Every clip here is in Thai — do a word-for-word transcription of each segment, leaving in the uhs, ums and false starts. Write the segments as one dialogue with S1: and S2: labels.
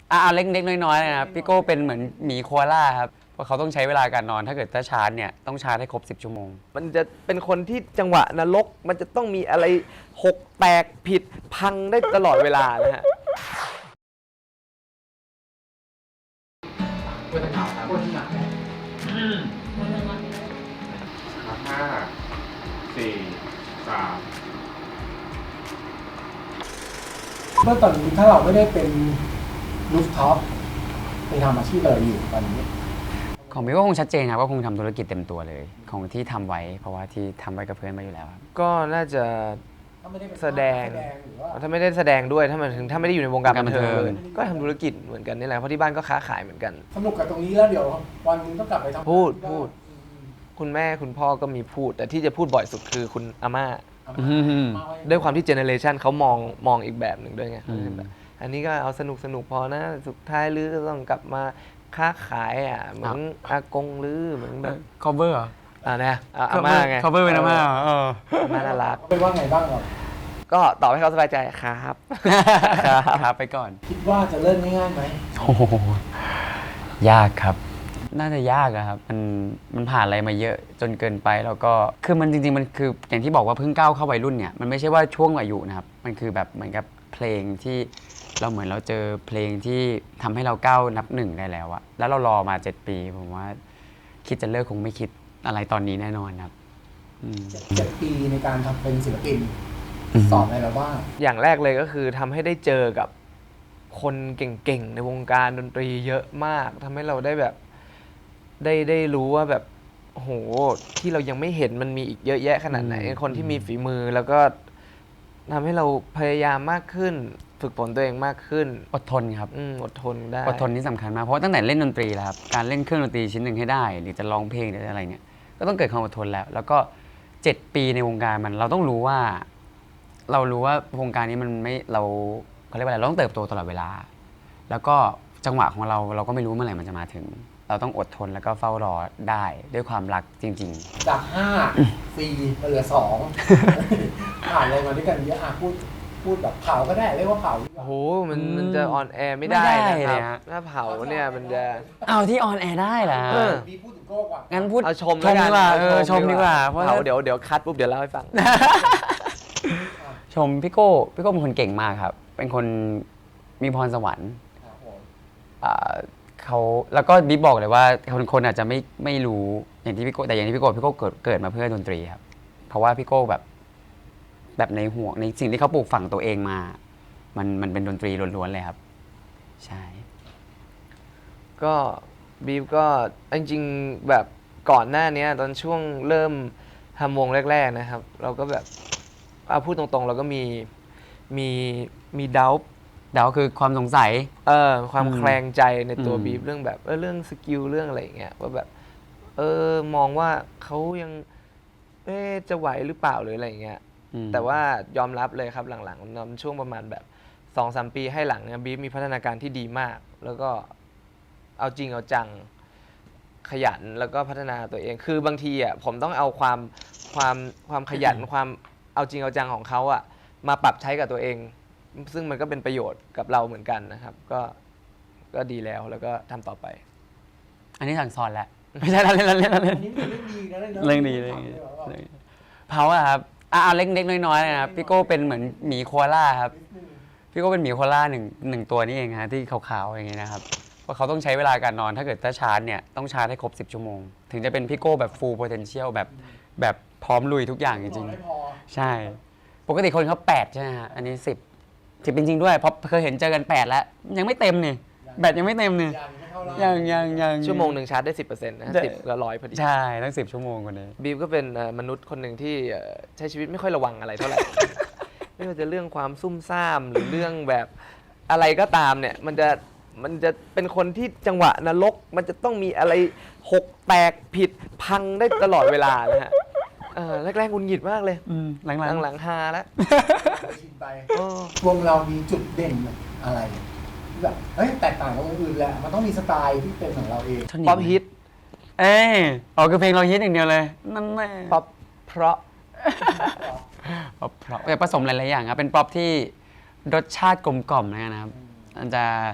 S1: อ่าเล็กๆน้อยๆนะครับพี่โก้เป็นเหมือนหมีโคอาล่าครับเพราะเขาต้องใช้เวลาการนอนถ้าเกิดถ้าชาร์จเนี่ยต้องชาร์จให้ครบสิบชั่วโมง
S2: มันจะเป็นคนที่จังหวะนรกมันจะต้องมีอะไรหกแตกผิดพังได้ตลอดเวลานะฮะ
S3: ตัวหนาวครับตัวหนาวห้าสี่สาม
S4: เมื่อตอนนี้ถ้าเราไม่ได้เป็นรูฟท็อปเป็นทำอาชีพอะไรอยู่ตอนนี้
S1: ของพี่ก็คงชัดเจนครับก็คงทำธุรกิจเต็มตัวเลยของที่ทำไว้เพราะว่าที่ทำไว้กับเพื่อนมาอยู่แล้วครับ
S2: ก็น่าจะแสดงถ้าไม่ได้แสดงด้วยถ้ามันถึงถ้าไม่ได้อยู่ในวงการบันเทิงเลยก็ทำธุรกิจเหมือนกันนี่แหละเพราะที่บ้านก็ค้าขายเหมือนกัน
S4: สนุกกับตรงนี้แล้วเดี๋ยววันนึงต้องกลับไปทำ
S2: พูดพูดคุณแม่คุณพ่อก็มีพูดแต่ที่จะพูดบ่อยสุดคือคุณอาม่าด้วยความที่เจเนอเรชันเขามองมองอีกแบบหนึ่งด้วยไงอันนี้ก็เอาสนุกสนุกพอนะสุดท้ายลือก็ต้องกลับมาค้าขายอ่ะเหมือนอากงลือเหมือนแบบ
S1: cover เหรอ
S2: อ่านะอาม่าไง
S1: cover เป็นอาม่าเออ
S2: อาม่าน่ารัก
S4: เป็นว่าไงบ้างครับ
S2: ก็ตอบให้เขาสบายใจครับ
S1: ครับไปก่อน
S4: คิดว่าจะเริ่มง่ายๆไหม
S1: โอ้ยากครับน่าจะยากอะครับมันมันผ่านอะไรมาเยอะจนเกินไปแล้วก็คือมันจริงๆมันคืออย่างที่บอกว่าเพิ่งก้าวเข้าวัยรุ่นเนี่ยมันไม่ใช่ว่าช่วงอายุนะครับมันคือแบบเหมือนกับเพลงที่เราเหมือนเราเจอเพลงที่ทำให้เราก้าวนับหนึ่งได้แล้วอะแล้วเรารอมาเจ็ดปีผมว่าคิดจะเลิกคงไม่คิดอะไรตอนนี้แน่นอนครับ
S4: เจ็ดปีในการทำเป็นศิลปินสอนอะไรเราบ้าง
S2: อย่างแรกเลยก็คือทำให้ได้เจอกับคนเก่งๆในวงการดนตรีเยอะมากทำให้เราได้แบบได้ได้รู้ว่าแบบโหที่เรายังไม่เห็นมันมีอีกเยอะแยะขนาดไหนคนที่มีฝีมือแล้วก็ทำให้เราพยายามมากขึ้นฝึกฝนตัวเองมากขึ้น
S1: อดทนครับ
S2: อดทนได้
S1: อดทนนี่สำคัญมากเพราะตั้งแต่เล่นดนตรีแล้วครับการเล่นเครื่องดนตรีชิ้นหนึ่งให้ได้หรือจะร้องเพลงหรืออะไรเนี่ยก็ต้องเกิดความอดทนแล้วแล้วก็เจ็ดปีในวงการมันเราต้องรู้ว่าเรารู้ว่าวงการนี้มันไม่เราเขาเรียกว่าอะไรเราต้องเติบโตตลอดเวลาแล้วก็จังหวะของเราเราก็ไม่รู้เมื่อไหร่มันจะมาถึงเราต้องอดทนแล้วก็เฝ้ารอได้ด้วยความรักจริง
S4: ๆจากห้าสี่เหลือสองผ่านอะไรมาด้วยกันเยอะอ่ะพูดพูดแบบเผาก็ได้เรียกว่าเผา
S2: โอ้โหมันมันจะออนแอร์ไม่ได้นะครับถ้าเผาเนี่ยมันจะ
S1: เอาที่ออนแอร์ได้เหรอ
S4: มีพูดถึงโก้ก่อน
S1: งั้นพูด
S2: เอาชม
S1: ชมดีกว่าเออชมดีกว่าเพราะ
S2: เผาเดี๋ยวเดี๋ยวคัดปุ๊บเดี๋ยวเล่าให้ฟัง
S1: ชมพี่โก้พี่โก้เป็นคนเก่งมากครับเป็นคนมีพรสวรรค์เขาแล้วก็บิ๊กบอกเลยว่าคนคนอาจจะไม่ไม่รู้อย่างที่พี่โก้แต่อย่างที่พี่โก้พี่โก้เกิดเกิดมาเพื่อดนตรีครับเพราะว่าพี่โก้แบบแบบในหัวในสิ่งที่เขาปลูกฝังตัวเองมามันมันเป็นดนตรีล้วนๆเลยครับใช่
S2: ก็บิ๊กก็จริงๆแบบก่อนหน้านี้ตอนช่วงเริ่มทำวงแรกๆนะครับเราก็แบบเอาพูดตรงๆเราก็มีมีมีดาว
S1: ดาวคือความสงสัย
S2: เออความแคลงใจในตัวบีฟเรื่องแบบเออเรื่องสกิลเรื่องอะไรอย่างเงี้ยว่าแบบเออมองว่าเขายังเอ๊จะไหวหรือเปล่าหรืออะไรอย่างเงี้ยแต่ว่ายอมรับเลยครับหลังๆนำช่วงประมาณแบบ สองสาม ปีให้หลังเนี่ยบีฟมีพัฒนาการที่ดีมากแล้วก็เอาจริงเอาจังขยันแล้วก็พัฒนาตัวเองคือบางทีอ่ะผมต้องเอาความความความขยันความเอาจริงเอาจังของเขาอ่ะมาปรับใช้กับตัวเองซึ่งมันก็เป็นประโยชน์กับเราเหมือนกันนะครับก็ก็ดีแล้วแล้วก็ทำต่อไป
S1: อันนี้สั่งสอนแล้วไม่ใช่เล่นเล่นเล่นเล่นเรื่องดีเรื่องดีเรื่องเผาอะครับอ่าเล็กๆน้อยๆนะครับพี่โก้เป็นเหมือนหมีโคอาล่าครับพี่โก้เป็นหมีโคอาล่าหนึ่งหนึ่งตัวนี้เองฮะที่ขาวๆอย่างเงี้ยนะครับเพราะเขาต้องใช้เวลาการนอนถ้าเกิดถ้าชาร์จเนี่ยต้องชาร์จให้ครบสิบชั่วโมงถึงจะเป็นพี่โก้แบบ full potential แบบแบบพร้อมลุยทุกอย่างจริงๆใช่ปกติคนเขาแปดใช่ไหมฮะอันนี้สิบสิบจริงๆด้วยเพราะเคยเห็นเจอกันแปดแล้วยังไม่เต็มนี่แบตยังไม่เต็มนี่ยังยังยัง
S2: ชั่วโมงหนึ่งชาร์จได้สิบเปอร์เซ็นต์นะสิบละร้อยพอดี
S1: ใช่ตั้งสิบชั่วโมงคนนี้
S2: บีมก็เป็นมนุษย์คนหนึ่งที่ใช้ชีวิตไม่ค่อยระวังอะไรเท่าไหร่ไม่ว่าจะเรื่องความซุ่มซ่ามหรือเรื่องแบบอะไรก็ตามเนี่ยมันจะมันจะเป็นคนที่จังหวะนรกมันจะต้องมีอะไรหกแตกผิดพังได้ตลอดเวลานะฮะแรกๆงุนหงิดมากเลย
S1: หลังๆ
S2: หลังๆฮาแล้ว
S4: ไปวงเรามีจุดเด่นอะไรแบบเฮ้ยแตกต่างจากวงอื่นแหละมันต้องมีสไตล์ที่เป็นของเราเอง
S2: ป๊อปฮิต
S1: เอ้ยอ๋อคือเพลงเราฮิตอย่างเดียวเลยนั่นแหละ
S2: ป๊อปเพราะ
S1: ป๊อปเพราะแต่ผสมหลายๆอย่างครับเป็นป๊อปที่รสชาติกลมกล่อมนะครับมันจะ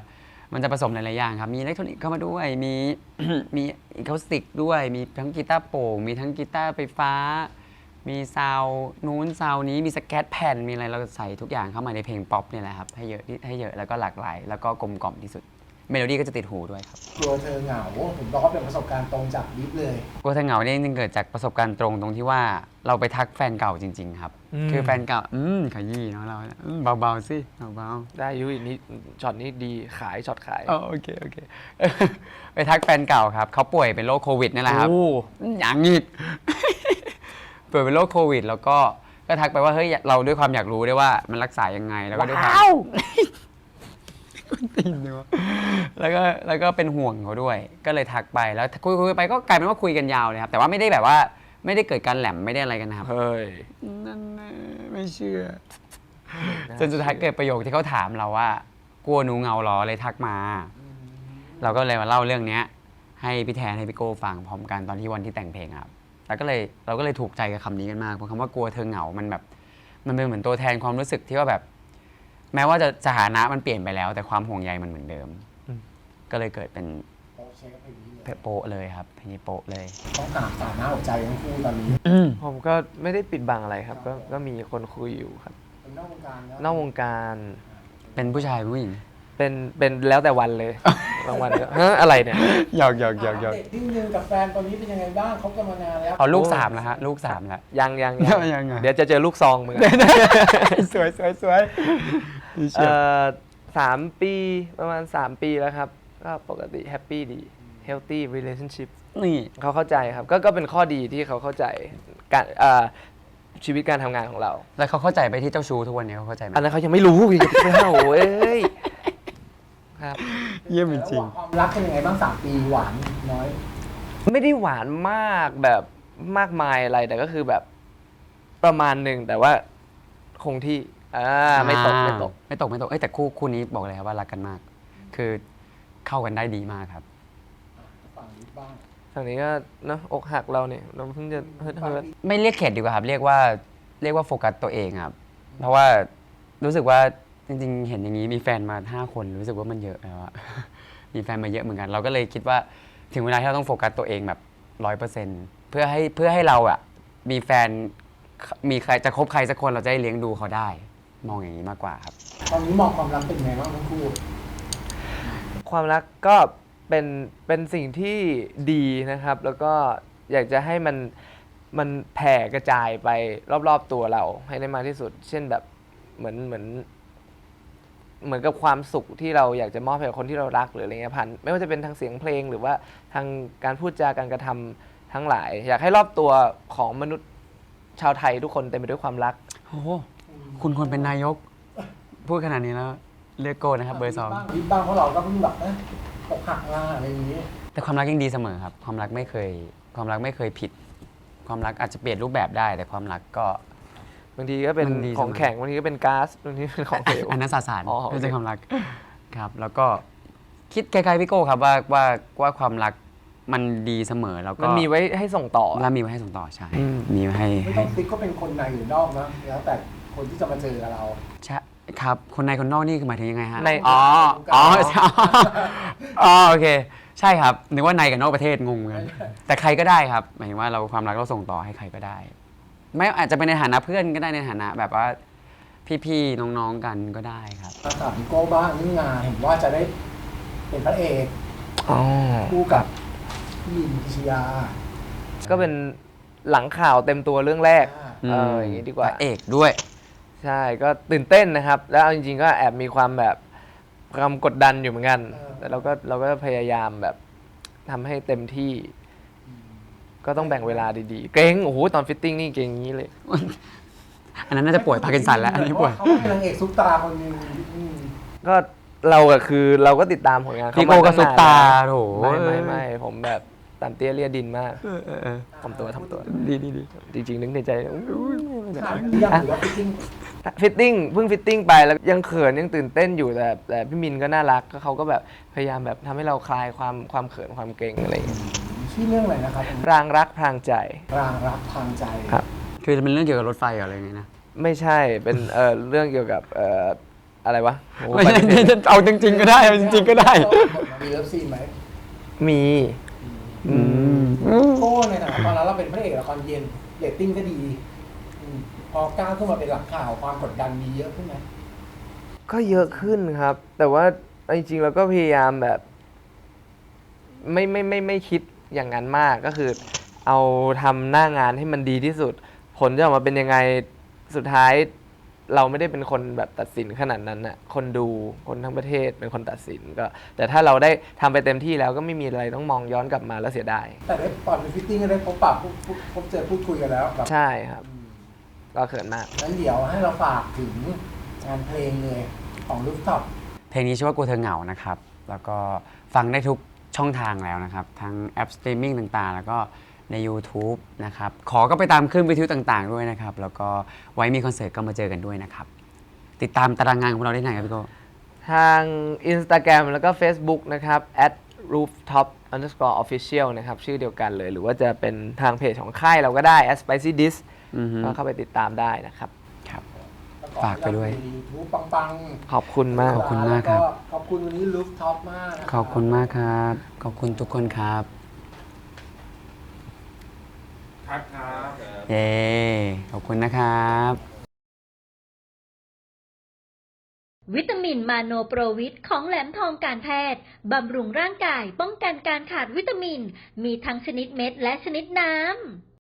S1: มันจะผสมหลายๆอย่างครับ มีอิเล็กทรอนิกส์เข้ามาด้วย มี มีอะคูสติกด้วย มีทั้งกีตาร์โปร่ง มีทั้งกีตาร์ไฟฟ้า มีซาวน์นู้นซาวน์นี้ มีสแกตแผ่น มีอะไรเราใส่ทุกอย่างเข้ามาในเพลงป๊อปเนี่ยแหละครับ ให้เยอะที่ให้เยอะแล้วก็หลากหลาย แล้วก็กลมกล่อมที่สุด เมโลดี้ก็จะติดหูด้วยครับ
S4: กลัวเธอเหงาผมบอกว่าเป็นประสบการณ์ตรงจากบิ๊กเลย
S1: กลัวเธอเหงาเนี่ยจริงๆเกิดจากประสบการณ์ตรงตรงที่ว่าเราไปทักแฟนเก่าจริง ๆ ครับ
S2: อืม
S1: คือแฟนเก่า อืมขยี้เนาะเราอืมเบาๆสิเบาๆ
S2: ได้อยุ้ยนี่ช็อตนี้ดีขายช็อตขาย
S1: อ๋อโอเคโอเค ไปทักแฟนเก่าครับเขาป่วยเป็นโรคโควิดนี่แหละครับ
S2: โอ้
S1: อย่างอีก ป่วยเป็นโรคโควิด แล้วก็ก็ทักไปว่าเฮ้ยเราด้วยความอยากรู้ด้วยว่ามันรักษายังไงแล้วก็ด้วยความ
S2: ว้าว
S1: ตีนเลยวะแล้วก็แล้วก็เป็นห่วงเขาด้วย ก็เลยทักไปแล้วคุยคุยไปก็กลายเป็นว่าคุยกันยาวเลยครับ แต่ว่าไม่ได้แบบว่าไม่ได้เกิดการแหลมไม่ได้อะไรกันนะครับ
S2: เฮ้ย
S1: นั่นนะไม่เชื่อ จนสุดท้ายเกิดประโยคที่เขาถามเราว่า กลัวหนูเหงาเหรอเลยทักมา เราก็เลยมาเล่าเรื่องเนี้ย ให้พี่แทนให้พี่โก้ฟังพร้อมกันตอนที่วันที่แต่งเพลงครับ แล้วก็เลยเราก็เลยถูกใจกับคำนี้กันมากเพราะคำว่ากลัวเธอเหงา มันแบบ มันเป็นเหมือนตัวแทนความรู้สึกที่ว่าแบบ แม้ว่าจะสถานะมันเปลี่ยนไปแล้ว แต่ความห่วงใยมันเหมือนเดิม
S2: อืม
S1: ก็เลยเกิดเป็น
S4: โป๊ะเช็คเพลงนี้เลย
S1: โปะเลยครับเพลงนี้โปะเลย
S4: ต้องถามสถานะหัวใจทั้งคู่ตอนนี้
S2: ผมก็ไม่ได้ปิดบังอะไรครับ ก็ก็มีคนคุยอยู่ครับ
S4: เป็นนอกวงการแล้ว
S2: นอกวงการ
S1: เป็นผู้ชายผู้หญิง
S2: เป็นเป็นแล้วแต่วันเลย บางวันก็ฮะอะไรเนี่ย
S1: หยอกหยอกหยอกหยอก
S4: เด็กนิดนึงกับแฟนตอนนี้เป็นยังไงบ้างเขากันมานานแล้ว
S1: เอาลูกสามแล้วฮะลูกสามแล้ว
S2: ยังยัง
S1: ยังยังไง
S2: เดี๋ยวจะเจอลูกซองมึงอะ
S1: สวยสวยสวย
S2: เอ่อสามปีประมาณสามปีแล้วครับ ก็ปกติแฮปปี้ดี healthy relationship
S1: นี่
S2: เขาเข้าใจครับ ก็ก็เป็นข้อดีที่เขาเข้าใจการเอ่อชีวิตการทำงานของเรา
S1: แล้วเขาเข้าใจไปที่เจ้าชู้ทุกวันนี้เขาเข้าใจไหม
S2: อันนั้นเขายังไม่รู้อย่าไปเล่าเอ้ยครับ
S1: เยี่ยมจริง
S4: ความรักเป็นยังไงบ้างสามปีหวานน้อย
S2: ไม่ได้หวานมากแบบมากมายอะไรแต่ก็คือแบบประมาณหนึ่งแต่ว่าคงที่อ่าไม่ตกไม่ตก
S1: ไม่ตกไม่ตกเอ้ยแต่คู่คู่นี้บอกเลยครับว่ารักกันมาก คือเข้ากันได้ดีมากครับ
S4: ฝั่งนี้บ้าง
S2: ฝั่งนี้ก็เนอะอกหักเราเนี่ยเราเพิ่งจะเฮิร์ตเฮิร์ต
S1: ไม่เรียกเข็ดดีกว่าครับ เรียกว่าเรียกว่าโฟกัสตัวเองครับ เพราะว่ารู้สึกว่าจริงๆ เห็นอย่างนี้มีแฟนมาห้าคนรู้สึกว่ามันเยอะแล้วอะ มีแฟนมาเยอะเหมือนกัน เราก็เลยคิดว่าถึงเวลาที่เราต้องโฟกัสตัวเองแบบร้อยเปอร์เซ็นต์เพื่อให้เพื่อให้เราอะมีแฟนมีใครจะคบใครสักคนเราจะได้เลี้ยงดูเขาได้ มองอย่างนี้มากกว่าครับ
S4: ตอนนี้มองความรักเป็นยังไงบ้างทั้งคู่
S2: ความรักก็เป็นเป็นสิ่งที่ดีนะครับ แล้วก็อยากจะให้มันมันแผ่กระจายไปรอบๆตัวเราให้ได้มากที่สุด เช่นแบบเหมือนเหมือน เหมือนกับความสุขที่เราอยากจะมอบให้กับคนที่เรารักหรืออะไรเงี้ยผ่านไม่ว่าจะเป็นทางเสียงเพลงหรือว่าทางการพูดจาการกระทำทั้งหลาย อยากให้รอบตัวของมนุษย์ชาวไทยทุกคนเต็มไปด้วยความรัก
S1: โอ้โหคุณควรเป็นนายก พูดขนาดนี้แล้วเลือกโกนะครับเบอร์สอง
S4: บิ๊กบ้างเพราะเราก็เพิ่งแบบนะตกหักมาอะไรอย่างนี้
S1: แต่ความรักยังดีเสมอครับ ความรักไม่เคย ความรักไม่เคยผิด ความรักอาจจะเปลี่ยนรูปแบบได้ แต่ความรักก็
S2: บางทีก็เป็น
S1: มันดี
S2: ของ
S1: เสมอ
S2: แข็งบางทีก็เป็นก๊าซบางทีเป็นของเหลว
S1: อันนั้นสสาร
S2: อ๋อโอเค
S1: ไม่ใช่ความรักครับ แล้วก็คิดคล้ายๆพี่โก้ครับว่าว่าว่าความรักมันดีเสมอแล้วก็
S2: มันมีไว้ให้ส่งต่อ
S1: แล้วมีไว้ให้ส่งต่อใช่
S2: อืม
S1: มีไว้ให้
S4: ไม่
S1: ให้
S4: ต้องติ๊กก็เป็นคนในหรือนอกนะแล้วแต่คนที่จะมาเจอกับเรา
S1: ใช่ครับ คนในคนนอกนี่คือหมายถึงยังไงฮะ
S2: ใน
S1: อ๋ออ๋อใช่อ๋อโอเค ใช่ครับนึกว่าในกับนอกประเทศงงเหมือนกันแต่ใครก็ได้ครับหมายถึงว่าเราความรักเราส่งต่อให้ใครก็ได้ ไม่อาจจะเป็นในฐานะเพื่อนก็ได้ในฐานะแบบว่าพี่ๆน้องๆกันก็ได้ครับ
S4: มาถามพี่โก้บ้างเรื่องงานเห็นว่าจะได้เป็นพระเอก
S2: อ๋อ
S4: คู่กับพี่ลินพิชยา
S2: ก็เป็นหลังข่าวเต็มตัวเรื่องแรก
S4: อ่า
S2: เอออย่างนี้ดีกว่า
S1: พระเอกด้วย
S2: ใช่ก็ตื่นเต้นนะครับ แล้วเอาจริงๆก็แอบมีความแบบความกดดันอยู่เหมือนกัน แต่เราก็เราก็พยายามแบบทำให้เต็มที่ ก็ต้องแบ่งเวลาดีๆ เกรงโอ้โหตอนฟิตติ้งนี่เกรงอย่างนี้เลย
S1: อันนั้นน่าจะป่วยพาร์กินสันแล้วอันนี้ป่วย
S4: เขาเป็นนางเอกซุปตาคนหนึงอืม
S2: ก็เราอะคือเราก็ติดตามผลงานเขา
S1: พี่โก้ก็
S2: ม
S1: ซุป
S2: ตั้งนน
S1: ตา
S2: แล้ว
S1: โถ
S2: ไม่ไม่ไม่ผมแบบตันเตี้ยเลียดินมาก
S1: เออเออเออ
S2: ทำตัวทำตัว
S1: ดีดีดี
S2: จริงๆนึกในใจอุ๊ย
S4: ถามเรื่องหรือว่าฟิตติ้ง
S2: ฟิตติ้งเพิ่งฟิตติ้งไปแล้วยังเขินยังตื่นเต้นอยู่แต่แต่พี่มินก็น่ารักก็เขาก็แบบพยายามแบบทำให้เราคลายความความเขินความเกรงอะไรอย่างเงี้ย
S4: ชื่อเรื่องอะไรนะครับ
S2: รางรักพรางใจ
S4: รางรักทางใจ
S2: ครับ
S1: คือจะเป็นเรื่องเกี่ยวกับรถไฟเหรออะไรอย่างเงี้ยนะ
S2: ไม่ใช่เป็นเอ่อเรื่องเกี่ยวกับเอ่ออะไรวะโอ้
S1: ไม่ใช่เอาจริง ๆ ก็ได้เอาจริง ๆ ก็ได้
S4: มีเลิฟซีนไหม
S2: มีอืม
S4: โก้ในฐานะตอนนั้นเราเป็นพระเอกละครเย็นเรตติ้งก็ดีอืมพอก้าวขึ้นมาเป็นหลักข่าวความกดดันมีเยอะขึ้นไหม
S2: ก็เยอะขึ้นครับ แต่ว่าจริงๆเราก็พยายามแบบ ไม่ไม่ไม่ไม่คิดอย่างนั้นมากก็คือ เอาทำหน้างานให้มันดีที่สุด ผลจะออกมาเป็นยังไงสุดท้าย เราไม่ได้เป็นคนแบบตัดสินขนาดนั้นน่ะคนดูคนทั้งประเทศเป็นคนตัดสินก็ แต่ถ้าเราได้ทำไปเต็มที่แล้วก็ไม่มีอะไรต้องมองย้อนกลับมาแล้วเสียดาย
S4: แต่ได้ตอนเป็นฟิตติ้งก็ได้พบปะพูดพูดพบเจอพูดคุยกันแล้วแบบ
S2: ใช่ครับ ก็เขินมาก
S4: งั้นเดี๋ยวให้เราฝากถึงงานเพลงเลยของลูกท็อป
S1: เพลงนี้ชื่อว่ากลัวเธอเหงานะครับ แล้วก็ฟังได้ทุกช่องทางแล้วนะครับ ทั้งแอปสตรีมมิ่งต่างๆ แล้วก็ใน YouTube นะครับ ขอก็ไปตามคลื่นวิทยุต่างๆ ด้วยนะครับ แล้วก็ไว้มีคอนเสิร์ตก็มาเจอกันด้วยนะครับ ติดตามตารางงานของเราได้ไหนครับพี่โก้
S2: ทาง Instagram แล้วก็ Facebook นะครับ at rooftop underscore official นะครับ ชื่อเดียวกันเลย หรือว่าจะเป็นทางเพจของค่ายเราก็ได้ at spicy dish
S1: อือฮึ
S2: ก็เข้าไปติดตามได้นะครับ
S1: ครับ
S4: แล้ว
S1: ฝากไปด้วย
S4: ยูทูบปัง
S2: ขอบคุณมาก
S1: ขอบคุณมากครับ
S4: แล้วขอบคุณวันนี้ลูกท็อปมากนะ
S1: ขอบคุณมากครับ ขอบคุณทุกคนครับ
S3: ครับครับ
S1: เย้ ขอบคุณนะครับ
S5: วิตามินมาโนโปรวิตของแหลมทองการแพทย์ บำรุงร่างกายป้องกันการขาดวิตามิน มีทั้งชนิดเม็ดและชนิดน้ำ